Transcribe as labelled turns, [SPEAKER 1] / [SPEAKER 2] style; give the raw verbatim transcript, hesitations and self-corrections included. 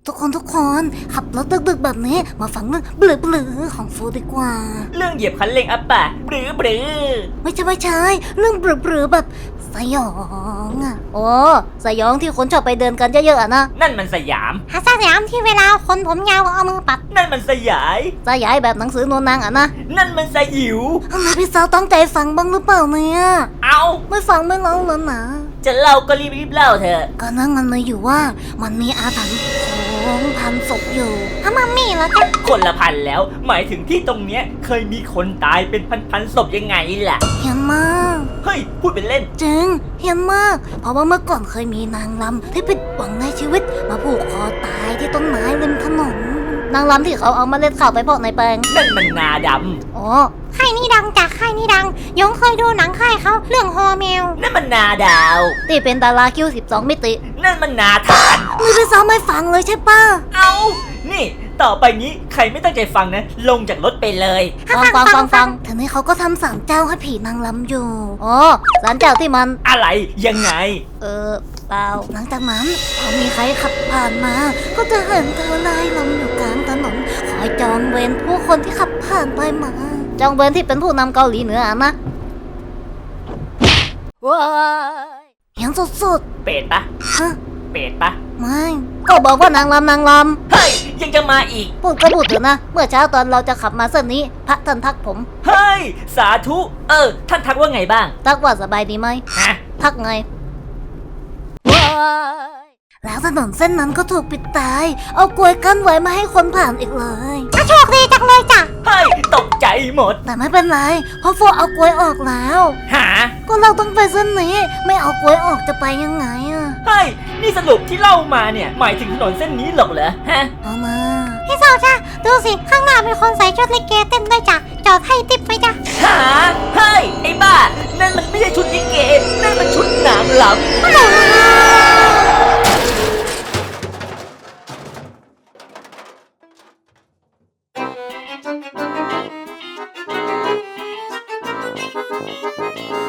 [SPEAKER 1] ทุกคนทุกคนขับรถดึกๆแบบนี้มาฟังเรื่องเบลือๆของฟูดีกว่า
[SPEAKER 2] เรื่องเหยียบคันเร่งอัปปะบรือบือ
[SPEAKER 1] ไม่ใช่ไม่ใช่เรื่องเบลือๆแบบสยองอ่ะโอ้สยองที่คนชอบไปเดินกันเยอะๆอะนะ
[SPEAKER 2] นั่นมันสยาม
[SPEAKER 1] หาสยามที่เวลาคนผมยาวเอามือปัด
[SPEAKER 2] นั่นมันสยาย
[SPEAKER 1] สยายแบบหนังสือโนนางอะนะ
[SPEAKER 2] นั่นมันสยิว
[SPEAKER 1] ทำไมพี่สาวตั้งใจฟังบ้างหรือเปล่าเนี่ย
[SPEAKER 2] เอา
[SPEAKER 1] ไม่ฟังไม่ร้องแล้วนะ
[SPEAKER 2] จะเล่าก็รีบๆเล่าเถอะ
[SPEAKER 1] ก็นั่งกันเลยอยู่ว่ามันมีอาถรรพ์ของพันศพอยู่ฮะมัมมี่แล้วจ้ะ
[SPEAKER 2] คนละพันแล้ว หมายถึงที่ตรงเนี้ยเคยมีคนตายเป็นพันๆศพยังไงล่ะ
[SPEAKER 1] เฮียนมาก
[SPEAKER 2] เฮ้ยพูดเป็นเล่น
[SPEAKER 1] จริงเฮียนมาก เพราะว่าเมื่อก่อนเคยมีนางรำที่ผิดหวังในชีวิตมาผูกคอตายที่ต้นไม้ริมถนนนางรำที่เขาเอามาเล่นข่าวไปพอกในแปลง
[SPEAKER 2] นั่นมันนาด
[SPEAKER 1] อ๋อค่ายนี้ดังจากค่ายนี้ดังยงเคยดูหนังค่ายเขาเรื่องฮอแมว
[SPEAKER 2] ำนั่นมันนาดาว
[SPEAKER 1] ที่เป็นดาราคิวสิบสองมิติ
[SPEAKER 2] นั่นมันนาทาน
[SPEAKER 1] นี่พี่สาวไม่ฟังเลยใช่ป่ะ
[SPEAKER 2] เอานี่ ต่อไปนี้ใครไม่ตั้งใจฟังนะ ลงจากรถไปเลย
[SPEAKER 1] ฟังฟังฟังฟังทีนี้เขาก็ทำศาลเจ้าให้ผีนางรำอยู่ อ๋อศาลเจ้าที่มัน
[SPEAKER 2] อะไรยังไง
[SPEAKER 1] เออเปล่าหลังจากนั้นพอมีใครขับผ่านมา ก็จะเห็นเธอลายลำอยู่กลางถนนคอยจองเวรผู้คนที่ขับผ่านไปมาจองเวรที่เป็นผู้นำเกาหลีเหนืออะนะว้ายยังสุด
[SPEAKER 2] เป็ดปะ
[SPEAKER 1] ๆฮะ
[SPEAKER 2] เป็ดปะ
[SPEAKER 1] ไม่ก็บอกว่านางรำนางร
[SPEAKER 2] เฮ้ยยังจะมาอีก
[SPEAKER 1] ำพูดก็พูดเถอะนะเมื่อเช้าตอนเราจะขับมาเส้นนี้พระท่านทักผม
[SPEAKER 2] เฮ้ยสาธุเออท่านทักว่าไงบ้าง
[SPEAKER 1] ทักว่าสบายดีไหม
[SPEAKER 2] ฮะ
[SPEAKER 1] ทักไงว้ายแล้วถนนเส้นนั้นก็ถูกปิดตาย เอากลวยกั้นไว้ไม่ให้คนผ่านอีกเลยโชคดีจังเลยจ้ะ
[SPEAKER 2] เฮ้ยตกใจหมด
[SPEAKER 1] แต่ไม่เป็นไร เพราะโฟเอากลวยออกแล้ว
[SPEAKER 2] หา
[SPEAKER 1] ก็เราต้องไปเส้นนี้ ไม่เอากลวยออกจะไปยังไงอะ
[SPEAKER 2] เฮ้ยนี่สรุปที่เล่ามาเนี่ยหมายถึงถนนเส้นนี้หรอกเหรอฮะ
[SPEAKER 1] เอามาพี่สาวจ้ะดูสิข้างหน้ามีคนใส่ชุดลิเกเต้นด้วยจ้ะจอดให้ติปไหมจ้ะ
[SPEAKER 2] หาเฮ้ยไอ้บ้านั่นมันไม่ใช่ชุดลิเกนั่นมันชุดนางรำ